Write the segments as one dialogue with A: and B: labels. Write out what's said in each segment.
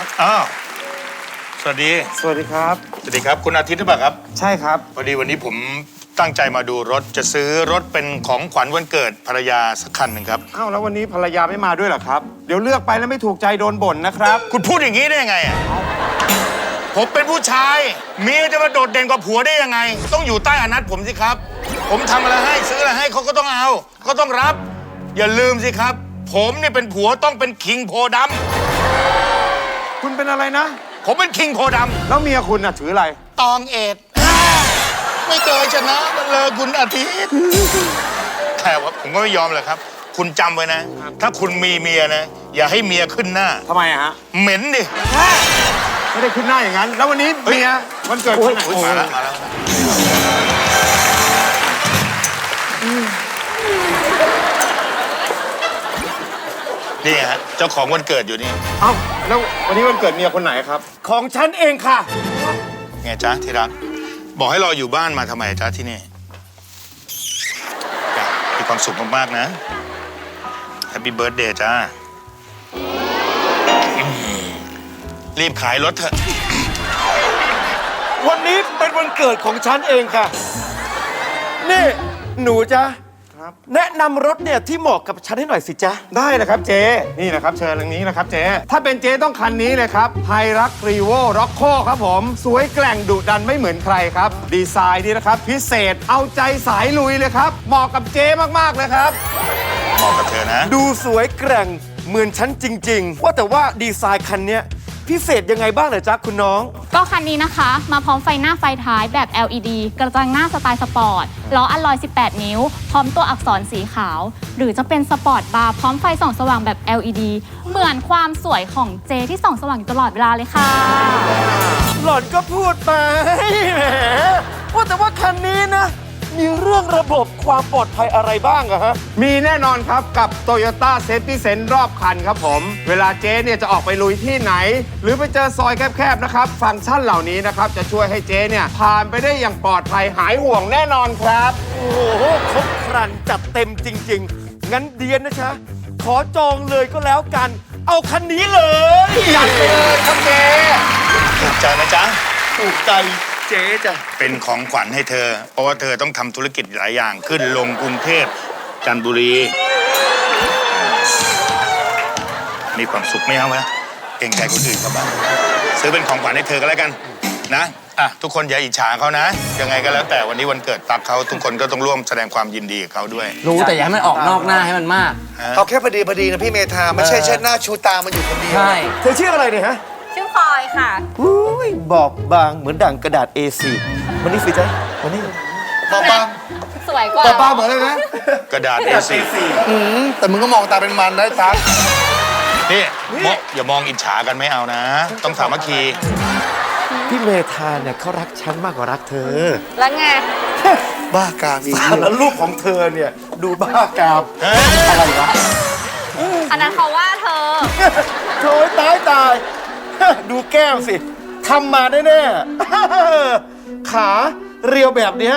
A: อ้าวสวัสดี
B: สวัสดีครับ
A: สวัสดีครับคุณอาทิตย์หรือเปล่าครับ
B: ใช่ครับ
A: พอดีวันนี้ผมตั้งใจมาดูรถจะซื้อรถเป็นของขวัญวันเกิดภรรยาสักคันหนึ่งครับ
B: อ้าวแล้ววันนี้ภรรยาไม่มาด้วยเหรอครับเดี๋ยวเลือกไปแล้วไม่ถูกใจโดนบ่นนะครับ
A: คุณพูดอย่างนี้ได้ยังไงอ่ะผมเป็นผู้ชายเมียจะมาโดดเด่นกว่าผัวได้ยังไงต้องอยู่ใต้อนัตผมสิครับผมทำอะไรให้ซื้ออะไรให้เขาก็ต้องเอาก็ต้องรับอย่าลืมสิครับผมเนี่ยเป็นผัวต้องเป็นคิงโพดำ
B: คุณเป็นอะไรนะ
A: ผมเป็นคิงโพดำ
B: แล้วเมียคุณน่ะถืออะไร
A: ตองเอ็ดไม่เคยชนะเลยคุณอาทิตย์แต่ว่าผมก็ไม่ยอมเลยครับคุณจำไว้นะถ้าคุณมีเมียนะอย่าให้เมียขึ้นหน้า
B: ทำไมอะฮะ
A: เหม็นดิ
B: ไม่ได้ขึ้นหน้าอย่างนั้นแล้ววันนี้เมียวันเกิดคุณ
A: มาแล้วนี่ฮะเจ้าของวันเกิดอยู่นี่
B: เอ้าแล้ววันนี้วันเกิดเมียคนไหนครับของฉันเองค่ะ
A: ไงจ๊ะที่รักบอกให้รออยู่บ้านมาทำไมจ๊ะที่นี่มีความสุขมากๆนะแฮปปี้เบิร์ธเดย์จ้ารีบขายรถเถอะ
B: วันนี้เป็นวันเกิดของฉันเองค่ะนี่หนูจ๊ะแนะนำรถเนี่ยที่เหมาะกับฉันให้หน่อยสิจ๊ะได้เลยครับเจนี่นะครับเชิญทางนี้นะครับเจถ้าเป็นเจต้องคันนี้เลยครับไฮรักรีโวร็อกโคครับผมสวยแกร่งดุดันไม่เหมือนใครครับดีไซน์นี่นะครับพิเศษเอาใจสายลุยเลยครับเหมาะกับเจมากๆเลยครับ
A: เหมาะกับเธอนะ
B: ดูสวยแกร่งเหมือนฉันจริงๆว่าแต่ว่าดีไซน์คันนี้พิเศษยังไงบ้างเหรอจ๊ะคุณน้อง
C: ก็คันนี้นะคะมาพร้อมไฟหน้าไฟท้ายแบบ LED กระจังหน้าสไตล์สปอร์ตล้ออัลลอย 18 นิ้วพร้อมตัวอักษรสีขาวหรือจะเป็นสปอร์ตบาร์พร้อมไฟส่องสว่างแบบ LED เหมือนความสวยของเจที่ส่องสว่างอยู่ตลอดเวลาเลยค่ะ
B: หล่อนก็พูดไปแหมว่าแต่ว่าคันนี้นะมีเรื่องระบบความปลอดภัยอะไรบ้างอะฮะมีแน่นอนครับกับ Toyota Safety Sense รอบคันครับผมเวลาเจ๊เนี่ยจะออกไปลุยที่ไหนหรือไปเจอซอยแคบๆนะครับฟังก์ชันเหล่านี้นะครับจะช่วยให้เจ๊เนี่ยผ่านไปได้อย่างปลอดภัยหายห่วงแน่นอนครับโอ้โหครบครันจัดเต็มจริงๆงั้นเดียนนะจ๊ะขอจองเลยก็แล้วกันเอาคันนี้เลยจัดไปเลยครับเจ๊
A: ถูกใจไหมจ๊ะ
B: ถูกใจเจ๊จ้ะ
A: เป็นของขวัญให้เธอเพราะว่าเธอต้องทำธุรกิจหลายอย่างขึ้นลงกรุงเทพจันทบุรีมีความสุขไม่เอาไหมเก่งใจคนอื่นเขาบ้างซื้อเป็นของขวัญให้เธอก็แล้วกันนะทุกคนอย่าอิจฉาเขานะยังไงก็แล้วแต่วันนี้วันเกิดตักเขาทุกคนก็ต้องร่วมแสดงความยินดีกับเขาด้วย
D: รู้แต่อย่าให้มันออกนอกหน้าให้มันมาก
E: เอาแค่พอดีนะพี่เมธาไม่ใช่เชิดหน้าชูตามันอยู่คนเดียว
D: ใช่
B: เธอชื่ออะไรเนี่ยฮะ
C: ชื่อพลอยค่ะ
B: บอบบางเหมือนดั่งกระดาษ A4 วันนี้สิจ๊ะวันนี้
E: บอบบาง
C: สวยกว่า
E: บอบบางเหมือนเลยนะ
A: กระดาษ A4
E: แต่มึงก็มองตาเป็นมันได้ตั๊ก
A: นี่อย่ามองอิจฉากันไม่เอานะต้องสามัคคี
B: พี่เมธาเนี่ยเขารักฉันมากกว่ารักเธอ
C: แล้วไง
E: บ้ากามอีก
B: แล้วลูกของเธอเนี่ยดูบ้ากามอะไรวะ
C: อันนั้นเขาว่าเธอ
B: โถ่ตายดูแก้วสิทำมาแน่ๆขาเรียวแบบเนี้ย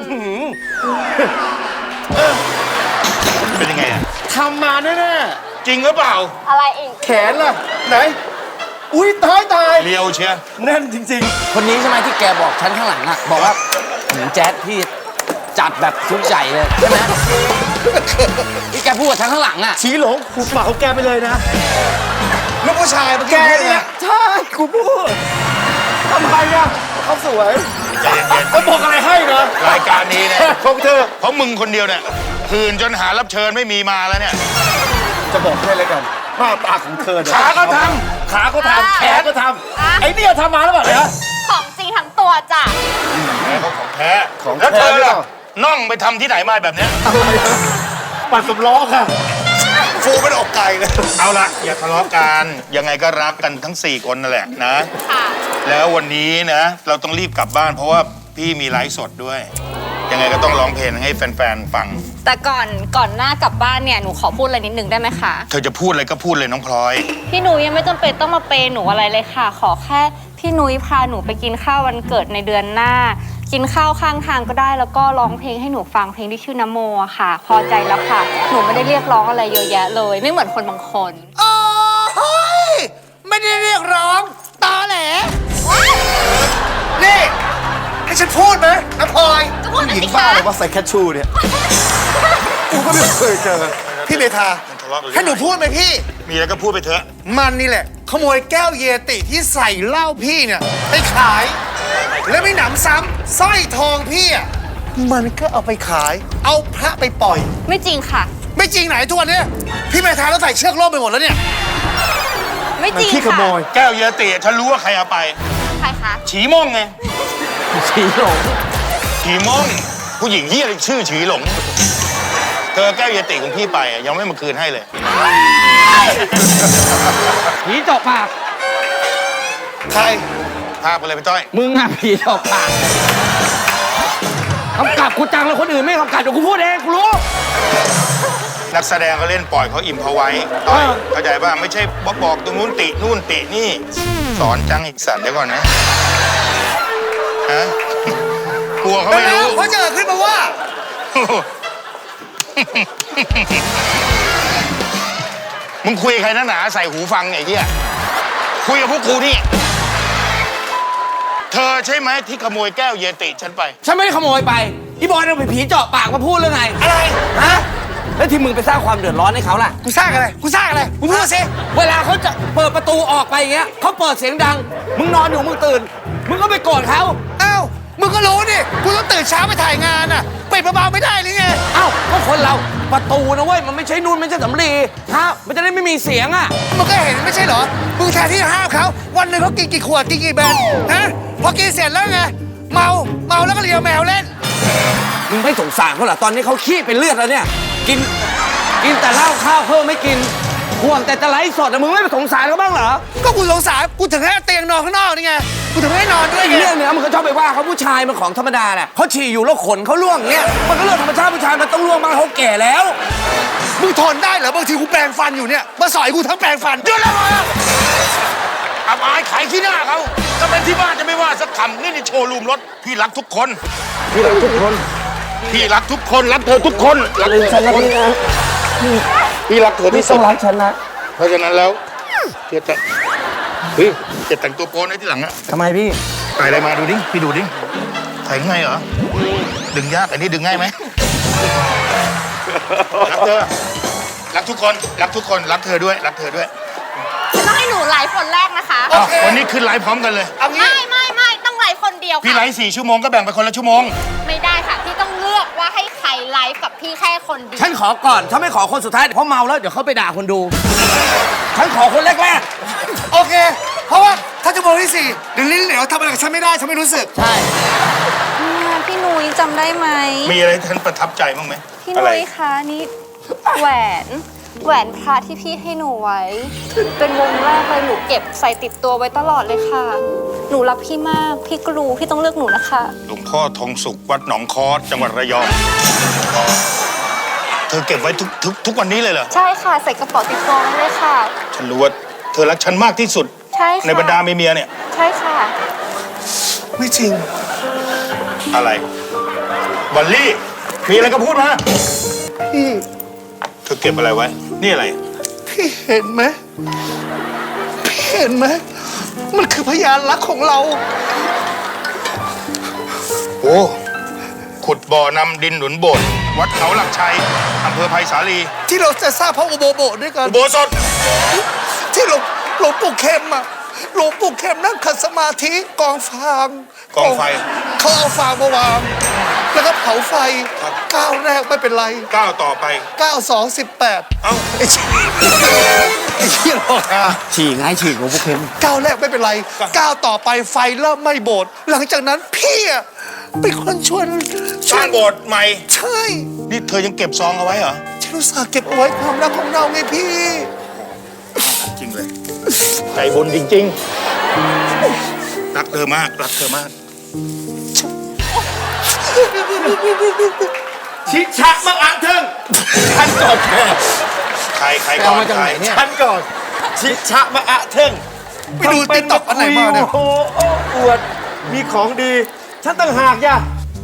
A: เป็นยังไงอะ
B: ทำมาแน่
A: จริงหรือเปล่า
C: อะไรอีก
B: แขนล่ะไหนอุ้ยตาย
A: เรียวเชีย
B: แน่นจริง
D: ๆคนนี้ใช่ไหมที่แกบอกฉันข้างหลังอะบอกว่าแจ๊ดพี่จัดแบบชุดใหญ่เลยใช่ไหมที่แกพูดกับฉันข้างหลังอะ
B: ชี้หลงหุบปากของแกไปเลยนะ
E: ลูกผู้ชายเมื่อ
B: กี้
E: เนี่ย
B: ใช่กูพูดทำไมอะเขาสวย
A: ใจเย็นๆ
B: เขาบอกอะไรให้นะ
A: รายการนี้เนี่ย
B: ของเธอ
A: เพราะมึงคนเดียวเนี่ยคืนจนหารับเชิญไม่มีมาแล้วเนี่ย
B: จะบอกให้เลยกันหน้าตาของเธอ
A: ขาก็ท
B: ำแขนก็ทำไอ้เนี่ยทำมาแล้วแบบเนี้ย
C: ของจริงทั้งตัวจ้ะ
A: ของแท้แล้วเธอล่ะน่องไปทำที่ไหนมาแบบเนี้ย
B: ปัดสำล้อค่ะ
E: ฟูเป็นอกไก่เลย
A: เอาละอย่าทะเลาะกันยังไงก็รักกันทั้ง4คนนั่นแหละนะแล้ววันนี้นะเราต้องรีบกลับบ้านเพราะว่าพี่มีไลฟ์สดด้วยยังไงก็ต้องร้องเพลงให้แฟนๆฟัง
C: แต่ก่อนหน้ากลับบ้านเนี่ยหนูขอพูดอะไรนิดนึงได้ไหมคะ
A: เธอจะพูดอะไรก็พูดเลยน้องพลอย
C: พี่นุ้ยยังไม่จำเป็นต้องมาเปย์หนูอะไรเลยค่ะขอแค่พี่นุ้ยพาหนูไปกินข้าววันเกิดในเดือนหน้ากินข้าวข้างทางก็ได้แล้วก็ร้องเพลงให้หนูฟังเพลงที่ชื่อนโมค่ะพอใจแล้วค่ะหนูไม่ได้เรียกร้องอะไรเยอะแยะเลยไม่เหมือนคนบางคน
E: โอ้ยแหมไม่ได้เรียกร้องตอแหลนี่ให้ฉันพูดไหมน้ำพลอย
C: ก็พูด
B: หญิ
C: สิ
B: งบ้า
C: คะ
B: เลยว่าใส่แคชชูเนี่ย กูก็ไม่เคยเจอ
E: พี่เมธา
A: มันทะเลาะกันเรื่อง
E: ให้หนูพูดไหมพี่
A: มีอะไรก็พูดไปเถอะ
E: มันนี่แหละ ขโมยแก้วเยติที่ใส่เหล้าพี่เนี่ยไปขาย แล้วไม่หนำซ้ำสร้อยทองพี่อ่ะมันก็เอาไปขาย เอาพระไปปล่อย
C: ไม่จริงค่ะ
E: ไม่จริงไหนทุกวันเนี้ยพี่เมธาแล้วใส่เชือกโล่ไปหมดแล้วเนี่ย
C: ไม่
B: มั
C: จ
B: น
C: ริง
B: ขี้ข
C: ค่ะ
B: โมย
A: แก้วเยติฉันรู้ว่าใครเอาไป
C: ใครคะ
A: ฉีม่งไง
D: ฉีหลง
A: ฉีม่งผู้หญิงเฮียอะไรชื่อฉีหลง เธอแก้วเยติของพี่ไปอะยังไม่มาคืนให้เลย
D: ผีเจาะปาก
E: ใคร
A: พาไปเลยพี่ต้อย
D: มึงอะผีเจาะปากกำกับกูจังแล้วคนอื่นไม่กำกับเดี๋ยวกูพูดเองกูรู้
A: นักแสดงเขาเล่นปล่อยเขาอิ่มเขาไว้ต้อย
D: เออ
A: เข้าใจป่ะไม่ใช่บอกตรงนู้นตินู่นตินี่ สอนจังอีกสัตว์เดี๋ยวก่อนนะฮะกลัวเขา
E: ไป
A: ไม่
E: แล้ว
A: รู้
E: เขาเจอขึ้นมาว่า
A: มึงคุยกับใครนักหนาใส่หูฟังเนี่ยไอ้เหี้ยคุยกับพวกกูนี่ เธอใช่ไหมที่ขโมยแก้วเยติฉันไป
D: ฉันไม่ได้ขโมยไปอีบอยเอาไปผีเจาะปากมาพูดเรื่องไง
E: อะไร
D: ฮะแล้วที่มึงไปสร้างความเดือดร้อนให้เขาล่ะ
E: กูสร้างอะไรกูสร้างอะไรกูพูดสิ
D: เวลาเขาจะเปิดประตูออกไปอย่างเงี้ยเขาเปิดเสียงดัง มึงนอนอยู่มึงตื่น มึงก็ไปโกรธเขา
E: อ้าวมึงก็รู้ดิกูต้องตื่นเช้าไปถ่ายงานอ่ะปิดเบาๆไม่ได้หรือไง
D: เอ้าก็คนเราประตูนะเว้ยมันไม่ใช่นู่นไม่ใช่สำลีฮะมันจะได้ไม่มีเสียงอ่ะ
E: มึงก็เห็นไม่ใช่เหรอมึงแทนที่จะห้ามเขาวันหนึ่งเขากินกี่ขวดกินกี่แบนฮะพอกินเสร็จแล้วไงเมาแล้วก็เลียแมวเล่น
D: มึงไม่สงสารเขาเหรอตอนนี้เขาขี้เป็นเลือดแล้วเนี่ยกินแต่เหล้าข้าวเพิ่มไม่กินห่วงแต่จะไลฟ์สดอะมึงไม่สงสารเขาบ้างเหรอ
E: ก็กูสงสารกูถึงให้เตียงนอนข้างนอกนี่ไงกูถึงให้นอนด้วย
D: ไอ้
E: ไง
D: เรื่องเนี้ยมันก็ชอบไปว่าเขาผู้ชายมันของธรรมดาแหละเขาฉี่อยู่แล้วขนเขาล่วงเงี้ยมันก็เรื่องธรรมชาติผู้ชายมันต้องล่วงบ้างเขาแก่แล้ว
E: มึงทนได้เหรอบางทีกูแปรงฟันอยู่เนี่ยมาสอยกูทั้งแปรงฟัน
A: เดี๋ยวแล้วมาอับอายขายขี้หน้าเขาถ้าเป็นที่บ้านจะไม่ว่าสักคำนี่ในโชว์รูมรถ พี่รักทุกคน พี่รักทุกคน พี่รักทุกคน รักเธอทุกคน รักเธอทุกคนพี่รักเธอที่สุด
D: รักฉันนะ
A: เพราะฉะนั้นแล้วเจะเฮ้ยจะแต่งตัวโป๊ในที่หลังอะ
D: ทำไมพี่
A: ใส่อะไรมาดูดิ พี่ดูดิใส่ง่ายเหรอ ดึงยากอันนี้ดึงง่ายไหมรักเธอ รักทุกคน รักทุกคน รักเธอด้วย รักเธอด้วย
C: จะต้องให้หนูไลฟ์คนแรกนะคะ
A: อ้าววันนี้ขึ้นไลฟ์พร้อมกันเลย
E: เอางี้
C: ไม่ต้องไลฟ์คนเดียว
A: พี่ไล
C: ค่ะ
A: ฟ์4 ชั่วโมงก็แบ่งไปคนละชั่วโมง
C: ไม่ได้ค่ะ พี่ต้องเลือกว่าให้ใครไลฟ์กับพี่แค่คนเดียว
D: ฉันขอก่อนฉันไม่ขอคนสุดท้ายเพราะเมาแล้วเดี๋ยวเขาไปด่าคนดู ฉันขอคนแรก
E: โอเค เพราะว่าถ้าจะโมงที่สี่เดี๋ยวลิ้นเหลวทำอะไรกับฉันไม่ได้ฉันไม่รู้สึก
D: ๆใช่
F: พี่นุ้ยจำได้ไหม
A: มีอะไรที่ท่านประทับใจบ้างไหม
F: พี่
A: อะไร
F: นุ้ยคะนี่แหวนพระที่พี่ให้หนูไว้ เป็นวงแรกเลยหนูเก็บใส่ติดตัวไว้ตลอดเลยค่ะ หนูรักพี่มาก พี่ก็รู้พี่ต้องเลือกหนูนะคะ
A: หลวงพ่อทองสุขวัดหนองคอสจังหวัดระยอง เธอเก็บไว้ทุกวันนี้เลยเหรอ
F: ใช่ค่ะใส่กระเป๋าติดตัวไว้เลยค่ะ
A: ฉันรู้ว่าเธอรักฉันมากที่สุด
F: ใช่ค่ะ
A: ในบรรดาเมียเนี่ย
F: ใช่ค่ะ
E: ไม่จริง
A: อะไรบัลลี่ มีอะไรก็พูดมา
E: พี่
A: เธอเก็บอะไรไว้ นี่อะไร
E: พี่เห็นไหมพี่เห็นไหมมันคือพยานรักของเรา
A: โอ้ ขุดบ่อนำดินหนุนโบสถ์วัดเขาหลักชัยอำเภอไผ่สาลี
E: ที่เราจะสร้างพระอุโบสถด้วยกัน
A: อุโบสถ
E: ที่หลวงปู่เข็มอะหลวงปู่เข็มนั่งขัดสมาธิกองฟาง
A: กองไฟ
E: เขาเอาฟางมาวางแล้วก็เผาไฟก้าวแรกไม่เป็นไร
A: ก้าวต่อไป
E: ก้าว2 18
A: เอ้า
E: ไอ้เหี้ยหรอกอะ
D: ฉี่ไงฉี่ของพวกเค็ม
E: ก้าวแรกไม่เป็นไรก้าวต่อไปไฟเริ่มไหม้โบสถ์หลังจากนั้นพี่อะเป็นคนชวน
A: สร้างโบสถ์ใหม่
E: ใช่
A: นี่เธอยังเก็บซองเอาไว้เหรอ
E: ฉันอุตส่าห์เก็บเอาไว้ความรักของเราไงพี่
A: จริงเลยใจบุญจริงๆ รักเธอมาก รักเธอมาก
B: ชิชะมังอังเทิงฉันก่อนแค่
A: ใครก่
D: เอา
A: อน
D: มาจาก
A: ใคร
D: ไหนเนี่ย
B: ฉันก่อน ชิชะมังอะเทิง
E: ไปดู TikTok อันไหนมาเนี่ย
B: โอ้โหอวด มีของดี ฉันต่างหากย่ะ